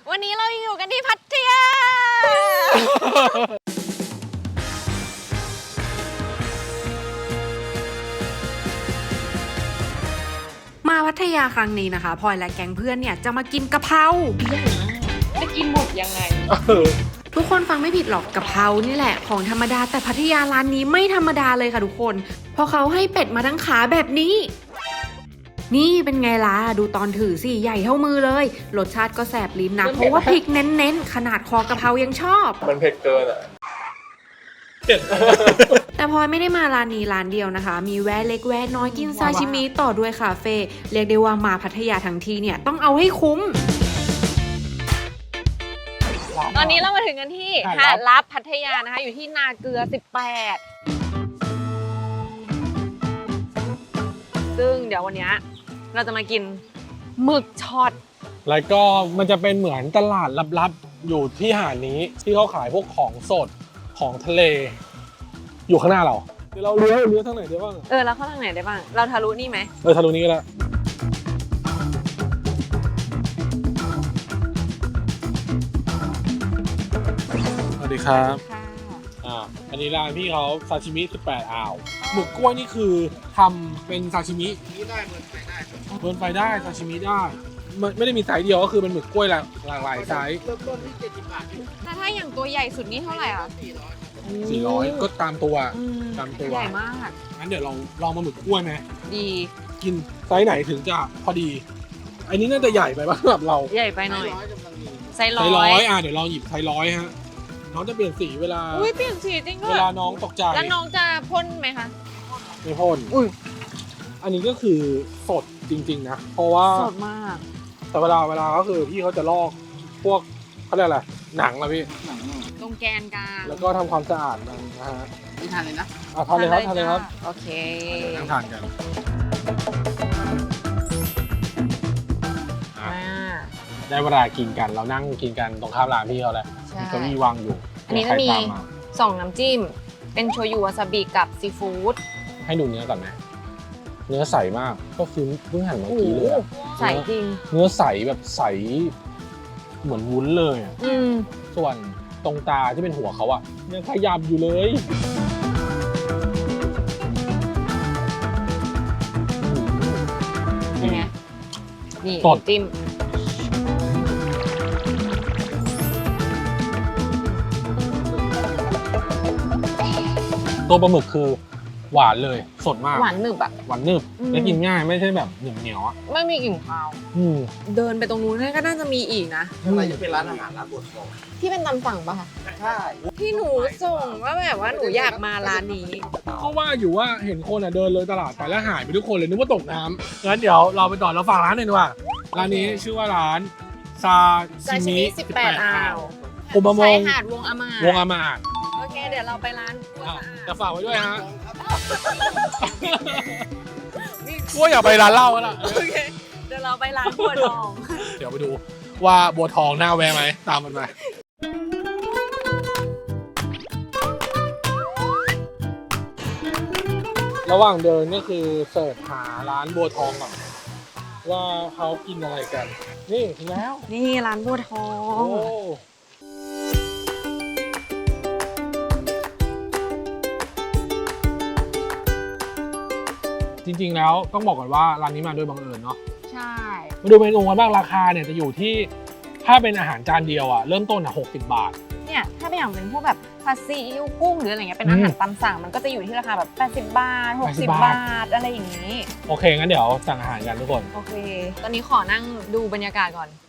วันนี้เราอยู่กันที่พัทยามาพัทยาครั้งนี้นะคะพลอยและแก๊งเพื่อนเนี่ยจะมากินกะเพราจะกินหมดยังไงทุกคนฟังไม่ผิดหรอกกะเพรานี่แหละของธรรมดาแต่พัทยาร้านนี้ไม่ธรรมดาเลยค่ะทุกคนเพราะเขาให้เป็ดมาทั้งขาแบบนี้นี่เป็นไงล่ะดูตอนถือสิใหญ่เท่ามือเลยรสชาติก็แสบลิ้นนะเพราะว่าพริกเน้นๆขนาดคอกะเพรายังชอบมันเผ็ดเกินอ่ะแต่พลอยไม่ได้มาร้านนี้ร้านเดียวนะคะมีแวะเล็กแวะน้อยกินซาชิมิต่อด้วยคาเฟ่เรียกได้ว่ามาพัทยาทั้งทีเนี่ยต้องเอาให้คุ้มตอนนี้เรามาถึงกันที่หาดลับพัทยานะคะอยู่ที่นาเกลือ18ซึ่งเดี๋ยววันนี้เราจะมากินหมึกช็อตแล้วก็มันจะเป็นเหมือนตลาดลับๆอยู่ที่หาดนี้ที่เขาขายพวกของสดของทะเลอยู่ข้างหน้าเราเดี๋ยวเราเลี้ยวทางไหนได้บ้างแล้วเข้าทางไหนได้บ้างเราทะลุนี่ไหมทะลุนี้ก็ได้สวัสดีครับอันนี้ร้านพี่เขาซาชิมิ18อ่าวหมึกกล้วยนี่คือทำเป็นซาชิมิได้เบิร์นไฟได้ซาชิมิได้ไม่ได้มีไซส์เดียวก็คือเป็นหมึกกล้วยหลากหลายไซส์เริ่มต้นที่70 บาทแต่ถ้าอย่างตัวใหญ่สุดนี่เท่าไหร่อ่ะ 400ก็ตามตัวใหญ่มากงั้นเดี๋ยวเราลองมาหมึกกล้วยไหมดีกินไซส์ไหนถึงจะพอดีอันนี้น่าจะใหญ่ไปบ้างสำหรับเราใหญ่ไปหน่อยไซส์ 100เดี๋ยวลองหยิบไซส์100ฮะน้องจะเปลี่ยนสีเวลาเปลี่ยนสีจริงด้วยเวลาน้องตกใจแล้วน้องจะพ่นไหมคะไม่พ่นอันนี้ก็คือสดจริงๆนะเพราะว่าสดมากแต่เวลาก็คือพี่เขาจะลอกพวกเขาเรียกอะไรหนังนะพี่ตรงแกนกลางแล้วก็ทำความสะอาดมันนะฮะนี่ทานเลยนะทานเลยครับโอเคนั่งทานกันได้เวลากินกันเรานั่งกินกันตรงข้ามร้านพี่เขาแล้วมีเก้าอี้วางอยู่อันนี้จะมี2น้ำจิ้มเป็นโชยุวาซาบิกับซีฟู้ดให้ดูเนื้อก่อนไหมเนื้อใสมากก็คือเพิ่งหั่นเมื่อกี้เลยใสจริงเนื้อใสแบบใสเหมือนวุ้นเลยส่วนตรงตาที่เป็นหัวเขาอะยังขยับอยู่เลยเป็นไงนี่จิ้มตัวปลาหมึกคือหวานเลยสดมากหวานหนึบอะหวานหนึบและกินง่ายไม่ใช่แบบเหนียวอะไม่มีกลิ่นคาวเดินไปตรงนู้นก็น่าจะมีอีกนะอะไรจะเป็นร้านอาหารร้านบดทองที่เป็นตำสั่งป่ะคะใช่ที่หนูส่งว่าแบบว่าหนูอยากมาร้านนี้เขาว่าอยู่ว่าเห็นคนเดินเลยตลาดไปแล้วหายไปทุกคนเลยนึกว่าตกน้ำงั้นเดี๋ยวเราไปต่อเราฝากร้านหน่อยดีกว่าร้านนี้ชื่อว่าร้านซาชิมิ 18อ่าวผมมามองหาดวงอามาดโอเคเดี๋ยวเราไปร้านจะฝากไว้ด้วยฮะว่าอย่าไปร้านเหล้าแล้วล่ะโอเคเดี๋ยวเราไปร้านบัวทองเดี๋ยวไปดูว่าบัวทองน่าแวะไหมตามมันไประหว่างเดินก็คือเสิร์ชหาร้านบัวทองก่อนว่าเขากินอะไรกันนี่ถึงแล้วนี่ร้านบัวทองจริงๆแล้วต้องบอกก่อนว่าร้านนี้มาด้วยบังเอิญเนาะใช่มาดูเมนูกันบ้างราคาเนี่ยจะอยู่ที่ถ้าเป็นอาหารจานเดียวเริ่มต้น60 บาทเนี่ยถ้าเป็นอย่างเป็นพวกแบบผัดซีอิ๊วกุ้งหรืออะไรเงี้ยเป็นอาหารตามสั่งมันก็จะอยู่ที่ราคาแบบ80 บาท60 บาทอะไรอย่างนี้โอเคงั้นเดี๋ยวสั่งอาหารกันทุกคนโอเคตอนนี้ขอนั่งดูบรรยากาศก่อน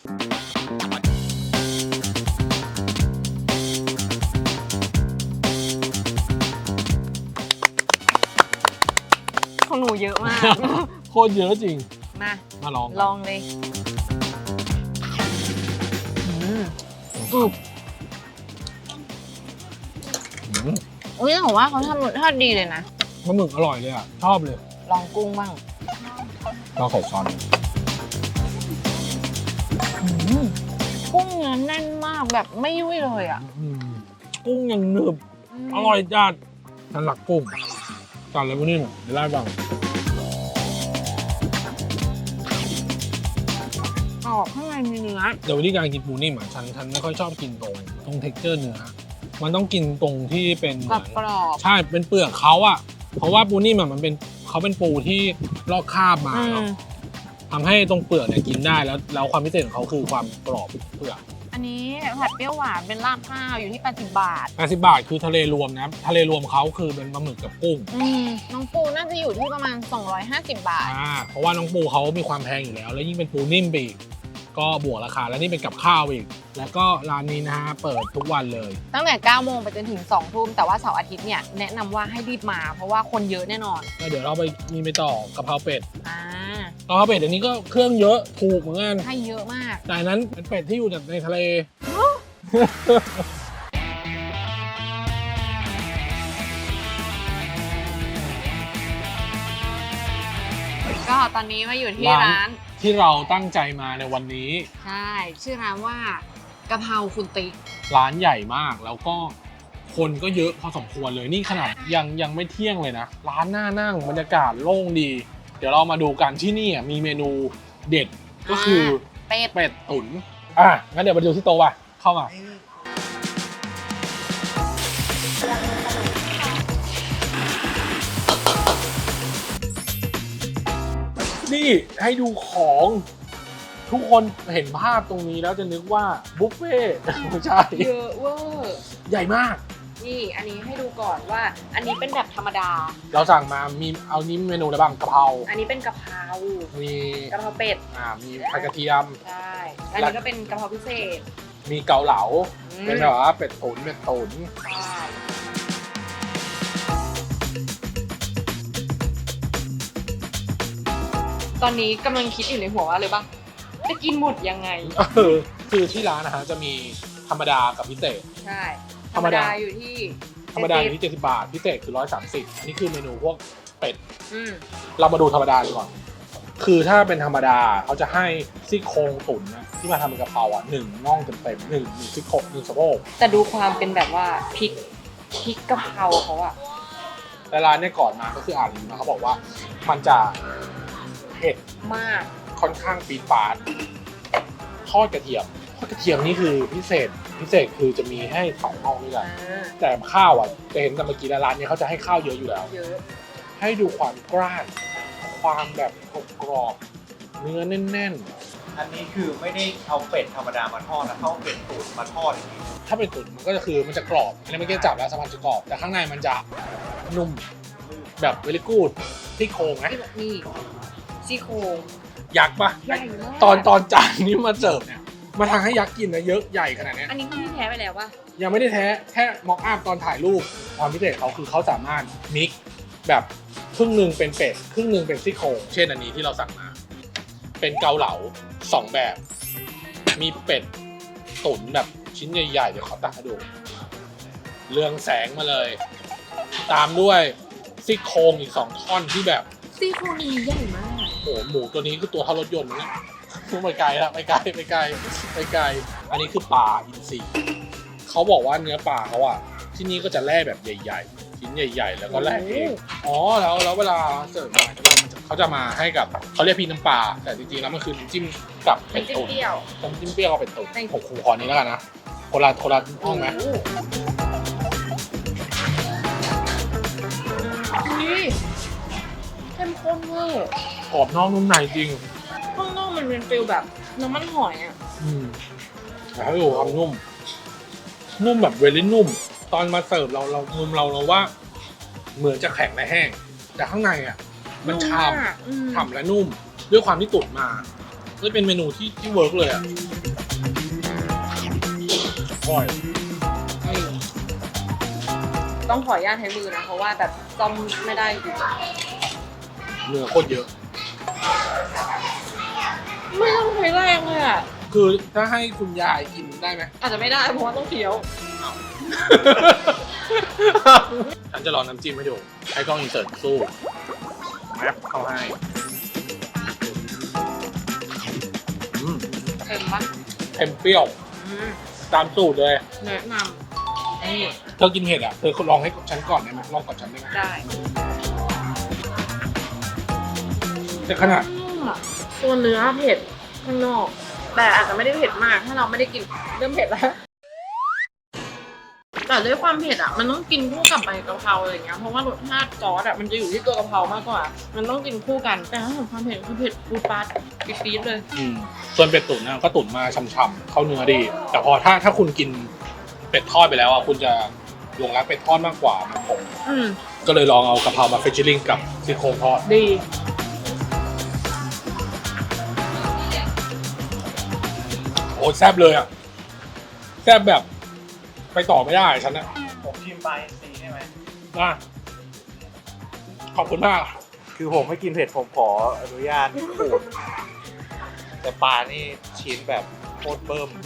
ของหนูเยอะมากโคตรเยอะจริงมาลองเลยกรุบผมว่าเขาทำทอดดีเลยนะปลาหมึกอร่อยเลยชอบเลยลองกุ้งบ้างลองใส่ซอสกุ้งเนื้อแน่นมากแบบไม่ยุ่ยเลยกุ้งยังหนึบอร่อยจัดฉันหลักกุ้งจานอะไรพวกนี้เดี๋ยวไล่บ้างออบข้างในมีเนื้อเดี๋ยววิธีการกินปูนิ่มอ่ะฉันไม่ค่อยชอบกินตรงเท็กเจอร์เนื้อมันต้องกินตรงที่เป็นเหกรมืออบ นกรอบใช่เป็นเปลือกเขาอ่ะเพราะว่าปูนิ่มอ่ะเขาเป็นปูที่ลอกคราบมาอืเนาะมทำให้ตรงเปลือกเนี่ยกินได้แล้วความพิเศษของเขาคือความกรอบเปลือกอันนี้ผัดเปรี้ยวหวานเป็นลาบข้าวอยู่ที่80 บาท 80 บาทคือทะเลรวมนะทะเลรวมเขาคือเป็นปลาหมึกกับกุ้งน้องปูน่าจะอยู่ที่ประมาณ250 บาทเพราะว่าน้องปูเขามีความแพงอยู่แล้ว แล้วยิ่งเป็นปูนิ่มไปอีกก็บวกราคาแล้วนี่เป็นกับข้าวอีก แล้วก็ร้านนี้นะฮะเปิดทุกวันเลยตั้งแต่9โมงไปจนถึง2ทุ่มแต่ว่าเสาร์อาทิตย์เนี่ยแนะนำว่าให้รีบมาเพราะว่าคนเยอะแน่นอนแล้วเดี๋ยวเราไปมีไปต่อกะเพราเป็ดอ่ากะเพราเป็ดเดี๋ยวนี้ก็เครื่องเยอะถูกเหมือนกันให้เยอะมากแต่อันนั้นเป็นเป็ดที่อยู่ในทะเลก็ตอนนี้มาอยู่ที่ร้านร้านที่เราตั้งใจมาในวันนี้ใช่ชื่อร้านว่ากะเพราคุณติ๊กร้านใหญ่มากแล้วก็คนก็เยอะพอสมควรเลยนี่ขนาดยังไม่เที่ยงเลยนะ ร้านน่านั่งบรรยากาศโล่งดี เดี๋ยวเรามาดูกันที่นี่มีเมนูเด็ดก็คือเป็ดเป็ดตุ๋นงั้นเดี๋ยวมาดูที่โต๊ะว่ะเข้ามานี่ให้ดูของทุกคนเห็นภาพตรงนี้แล้วจะนึกว่าบุฟเฟ่ต์ไม่ใช่เยอะเวอร์ใหญ่มากนี่อันนี้ให้ดูก่อนว่า อันนี้เป็นแบบธรรมดาเราสั่งมามีเอานี้เมนูอะไรบ้างกะเพราอันนี้เป็นกะเพรามีกะเพราเป็ดมีผัดกระเทียมใช่อันนี้ก็เป็นกะเพราพิเศษมีเกาเหลาอืมเป็นแบบว่าเป็ดตุ๋นใช่ตอนนี้กำลังคิดอยู่ในหัวว่าเลยป่ะจะกินหมดยังไงคือที่ร้านนะฮะจะมีธรรมดากับพิเศษใช่ธรรมดาอยู่ที่ธรรมดาอยู่ที่70 บาทพิเศษคือ130อันนี้คือเมนูพวกเป็ดอืมเรามาดูธรรมดาดีก่อนคือถ้าเป็นธรรมดาเขาจะให้ซี่โครงตุ๋นนะที่มาทำเป็นกะเพรา1น่องเต็มๆ1ซี่โครง1สะโพกแต่ดูความเป็นแบบว่าพริกกะเพราเขาอะแต่ร้านเนี่ยก่อนมาก็คืออ่านรีวิวมาเขาบอกว่ามันจะเผ็ดมากค่อนข้างปี๊ดปาดทอดกระเทียมนี่คือพิเศษคือจะมีให้2น่องด้วยกันแต่ข้าวจะเห็นแต่เมื่อกี้ร้านนี้เขาจะให้ข้าวเยอะอยู่แล้วเยอะให้ดูความกร้านความแบบกรอบเนื้อแน่นอันนี้คือไม่ได้เอาเป็ดธรรมดามาทอดนะเขาเอาเป็ดตุ๋นมาทอดอย่างนี้ๆถ้าเป็นตุ๋นมันก็จะคือมันจะกรอบอันนี้ไม่ได้จับแล้วสัมผัสจะกรอบแต่ข้างในมันจะนุ่มแบบเวลิกูดที่โครงนะที่แบบนี่ซี่โครงยักษ์ปะใหญ่มากตอนจานนี้มาเสิร์ฟเนี่ยมาทางให้ยักษ์กินนะเยอะใหญ่ขนาดเนี้ยอันนี้คือที่แท้ไปแล้วป่ะยังไม่ได้แท้แค่ม็อกอัพตอนถ่ายรูปความพิเศษเขาคือเขาสามารถมิกซ์แบบครึ่งหนึ่งเป็นเป็ดครึ่งหนึ่งเป็นซี่โครงเช่นอันนี้ที่เราสั่งมาเป็นเกาเหลา2แบบ มีเป็ดตุ๋นแบบชิ้นใหญ่ๆเดี๋ยวขอตักให้ดูเรืองแสงมาเลย ตามด้วยซี่โครงอีก2ท่อนที่แบบซี่โครงนี้ใหญ่มากโอ้โหหมูตัวนี้คือตัวเท่ารถยนต์นะไปไกลแล้วไปไกลอันนี้คือปลาอินทรีเขาบอกว่าเนื้อปลาเขาที่นี่ก็จะแล่แบบใหญ่ๆชิ้นใหญ่ๆแล้วก็แล่เองแล้วเวลาเสิร์ฟมาเขาจะมาให้กับเขาเรียกพี่น้ำปลาแต่จริงๆแล้วมันคือน้ำจิ้มกับเป็ดตุ๋นเปรี้ยวน้ำจิ้มเปรี้ยวกับเป็ดตุ๋นใช่ผมขอนี้แล้วกันนะคนละห้องไหมนี่เข้มข้นเวอร์กรอบนอกนุ่มในจริงข้างนอกมันเป็นฟิลแบบน้ำมันหอยอ่ะแต่ให้ดูความนุ่มแบบเวลี่นุ่ม ตอนมาเสิร์ฟเราว่าเหมือนจะแข็งและแห้ง แต่ข้างในมันฉ่ำและนุ่ม ด้วยความที่ตุ๋นมาเลยเป็นเมนูที่เวิร์กเลยอร่อยต้องขออนุญาตใช้มือนะ เพราะว่าแบบซ่อมไม่ได้จริงเนื้อโคตรเยอะไม่ต้องใช้แรงเลยอ่ะคือถ้าให้คุณยายกินได้ไหมอาจจะไม่ได้เพราะว่าต้องเคี้ยวฉันจะลองน้ำจิ้มให้ดูให้กล้องอินเสิร์ตสู้แมปเข้าให้เค็มปะเค็มเปรี้ยวตามสูตรเลยแนะนำนี่เธอกินเผ็ดเธอลองให้ฉันก่อนได้ไหมลองก่อนฉันได้ไหมได้แต่ขนาดตัวเนื้อเผ็ดข้างนอกแต่อาจจะไม่ได้เผ็ดมากถ้าเราไม่ได้กินเริ่มเผ็ดแล้วแต่ด้วยความเผ็ดอ่ะมันต้องกินคู่กับใบกะเพราอะไรอย่างเงี้ยเพราะว่ารสชาติซอสอ่ะมันจะอยู่ที่ตัวกะเพรามากกว่า มันต้องกินคู่กันแต่ถ้าถึงความเผ็ดคือเผ็ดปูปลาปี๊ดๆเลยส่วนเป็ดตุ๋นนะก็ตุ๋นมาช่ำๆเข้าเนื้อดี แต่พอถ้าคุณกินเป็ดทอดไปแล้วอ่ะคุณจะหลงรักเป็ดทอดมากกว่ามันผม ก็เลยลองเอากะเพรามาเฟชชิ่งกับซี่โครงทอดดีโอ้แซ่บเลยอ่ะแซ่บแบบไปต่อไม่ได้ฉันนะผมชิมปลาอินทรีได้ไหมนะขอบคุณมากคือผมไม่กินเผ็ดผมขออนุญาตขูดแต่ปลานี่ชิ้นแบบโคตรเบิ่ม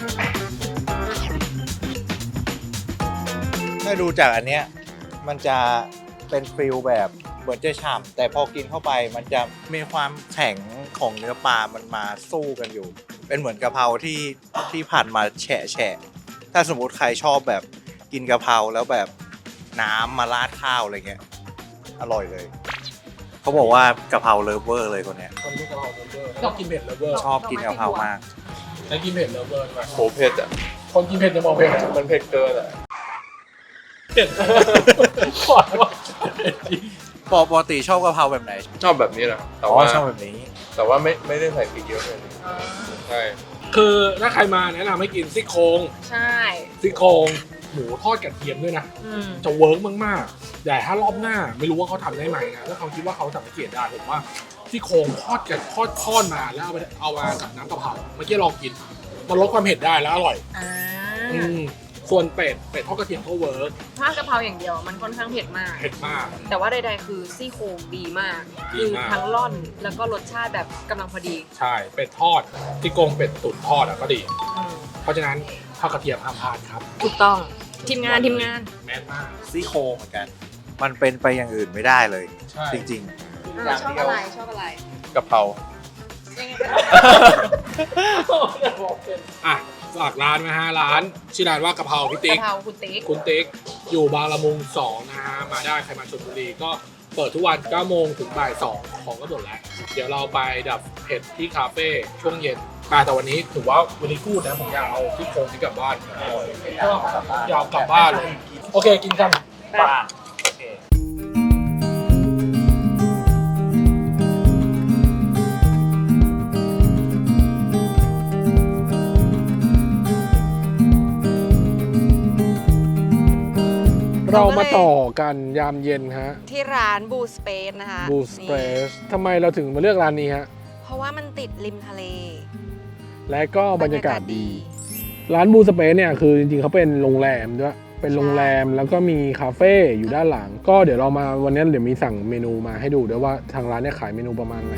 ถ้าดูจากอันเนี้ยมันจะเป็นฟิลแบบเหมือนจะฉ่ำแต่พอกินเข้าไปมันจะมีความแข็งของเนื้อปลามันมาสู้กันอยู่ เป็นเหมือนกะเพราที่ผ่านมาแฉะถ้าสมมติใครชอบแบบกินกะเพราแล้วแบบน้ำมาราดข้าวอะไรเงี้ยอร่อยเลยเขาบอกว่ากะเพราเลิฟเวอร์เลยคนเนี้ยคนที่กะเพราเลฟเวอร์ชอบกินเผ็ดเลฟเวอร์ชอบกินกะเพรามากแล้วกินเผ็ดเลฟเวอร์ใช่ไหมโหเผ็ดอ่ะคนกินเผ็ดจะมองเผ็ดมันเผ็ดเกินอ่ะเผ็ดขอว่าเผ็ดจริงปกติชอบกะเพราแบบไหนชอบแบบนี้แหละแต่อ๋อว่าชอบแบบนี้แต่ว่าไม่ได้ใส่พริกเยอะเลยใช่คือถ้าใครมาแนะนำให้กินซี่โครงใช่ซี่โครงหมูทอดกระเทียมด้วยนะ จะเวิร์กมากๆแต่ถ้ารอบหน้าไม่รู้ว่าเขาทำได้ไหมนะถ้าเขาคิดว่าเขาสังเกตได้ผมว่าซี่โครงทอดมาแล้วเอามากับน้ำกะเพราเมื่อกี้ลองกินมันลดความเผ็ดได้แล้วอร่อยส่วนเป็ดทอดกระเทียมก็เวิร์กถ้ากะเพราอย่างเดียวมันค่อนข้างเผ็ดมากเผ็ดมากแต่ว่าใดๆคือซี่โครงดีมากดีคือมากทั้งร่อนแล้วก็รสชาติแบบกำลังพอดีใช่เป็ดทอดซี่โครงเป็ดตุ๋นทอดก็ดีอืมเพราะฉะนั้นทอดกระเทียมห้ามพลาดครับถูกต้องทีมงานแม่นมากซี่โครงเหมือนกัน มันเป็นไปอย่างอื่นไม่ได้เลยใช่จริงชอบอะไรชอบอะไรกะเพรายังไงก็ได้อ่ะฝากร้านนะฮะร้านชื่อร้านว่ากะเพราพี่ติ๊กะกเพราคุณติ๊กคุณติ๊กอยู่บางละมุง2นะฮะมาได้ใครมาชลบุรีก็เปิดทุกวัน9โมงถึงบ่าย2ของก็หมดแล้ว เดี๋ยวเราไปดับเผ็ดที่คาเฟ่ช่วงเย็นแต่วันนี้ถือว่าวันนี้พูดนะผมอยากเอาที่โครงที่กลับบ้านก็อยากกลับบ้านเลยโอเคกินกันๆปลาโอเคเรามาต่อกันยามเย็นฮะที่ร้านบูสเปซนะคะบูสเปซทำไมเราถึงมาเลือกร้านนี้ฮะเพราะว่ามันติดริมทะเลและก็บรรยากาศดี ร้านบูสเปซเนี่ยคือจริงๆเขาเป็นโรงแรมด้วยเป็นโรงแรมแล้วก็มีคาเฟ่อยู่ด้านหลัง ก็เดี๋ยวเรามาวันนี้เดี๋ยวมีสั่งเมนูมาให้ดูด้วยว่าทางร้านเนี่ยขายเมนูประมาณไหน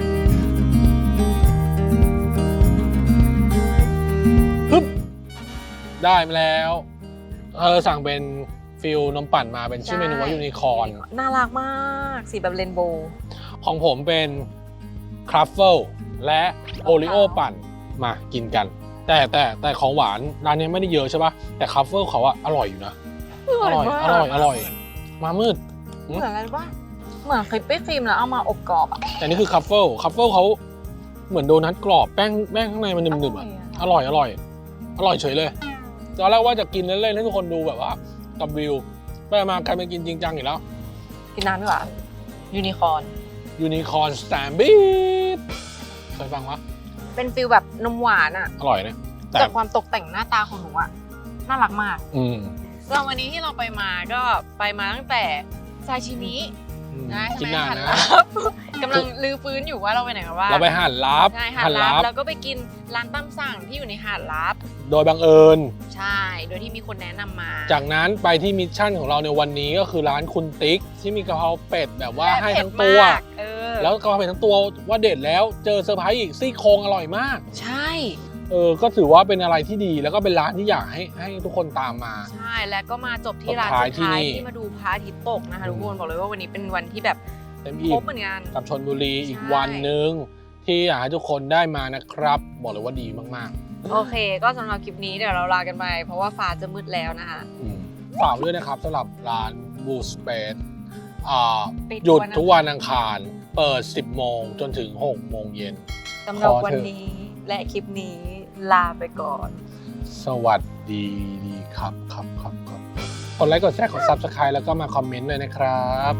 ปึ๊บได้มาแล้วสั่งเป็นฟิลนมปั่นมาเป็นชื่อเมนูว่ายูนิคอร์นน่ารักมากสีแบบเรนโบว์ของผมเป็นครัฟเฟิลและโอริโอปั่นมากินกัน แต่ของหวานร้านนี้ไม่ได้เยอะใช่ปะแต่ครัฟเฟิลเขาอะอร่อยอยู่นะอร่อยมามืดเหมือนอะไรป่ะเหมือนคริปปี้ครีมแล้วเอามาอบกรอบอ่ะแต่นี่คือครัฟเฟิลเขาเหมือนโดนัทกรอบแป้งข้างในมันหนึบๆอะอร่อยเฉยเลยตอนแรกว่าจะกินเล่นๆให้ทุกคนดูแบบว่ากับวิวไปมากลายเป็นกินจริงจังอีกแล้วกินน้ำดีกว่ายูนิคอร์นยูนิคอร์นสแตมบีดเคยฟังวะเป็นฟิลแบบนมหวานอ่ะอร่อยนะแต่แต่ความตกแต่งหน้าตาของหนูอ่ะน่ารักมากแล้ววันนี้ที่เราไปมาก็ไปมาตั้งแต่ซาชิมินะกินใช่นานไหมหันนะลับกำลังลือฟื้นอยู่ว่าเราไปไหนกันบ้างเราไปหาดลับใช่หาดลับแล้วก็ไปกินร้านตามสั่งที่อยู่ในหาดลับโดยบังเอิญใช่ โดยที่มีคนแนะนำมาจากนั้นไปที่มิชชั่นของเราในวันนี้ก็คือร้านคุณติ๊กที่มีกะเพราเป็ดแบบว่าให้ทั้งตัว แล้วกะเพราเป็ดทั้งตัวว่าเด็ดแล้วเจอเซอร์ไพรส์อีกซี่โครงอร่อยมากใช่ก็ถือว่าเป็นอะไรที่ดีแล้วก็เป็นร้านที่อยากให้ทุกคนตามมาใช่ แล้วก็มาจบที่ร้านสุดท้ายสุดท้ายที่นี่ที่มาดูพระอาทิตย์ตกนะคะทุกคนบอกเลยว่าวันนี้เป็นวันที่แบบเต็มคอิ่รมบเหมือนกันกับชลบุรีอีกใช่วันหนึ่งที่อยากให้ทุกคนได้มานะครับ บอกเลยว่าดีมากโอเค ก็สำหรับคลิปนี้เดี๋ยวเราลากันไปเพราะว่าฟ้าจะมืดแล้วนะคะๆฝากด้วยนะครับสำหรับร้านบูสเปซปิดหยุดวันอังคารทุกวันอังคารเปิด 10 โมงจนถึง 6 โมงเย็นสำหรับขอวันเถอะนี้และคลิปนี้ลาไปก่อนสวัสดีครับกดไลค์กดแชร์กด Subscribe แล้วก็มาคอมเมนต์ด้วยนะครับ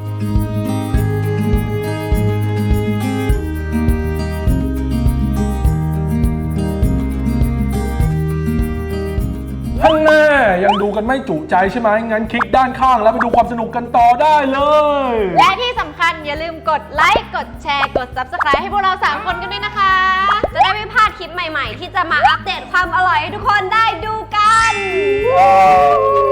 ข้างหน้ายังดูกันไม่จุใจใช่ไหมงั้นคลิกด้านข้างแล้วไปดูความสนุกกันต่อได้เลยและที่สำคัญอย่าลืมกดไลค์ กดแชร์ กด Subscribe ให้พวกเรา 3 คนกันด้วยนะคะ จะได้ไม่พลาดคลิปใหม่ๆ ที่จะมาอัปเดตความอร่อยให้ทุกคนได้ดูกัน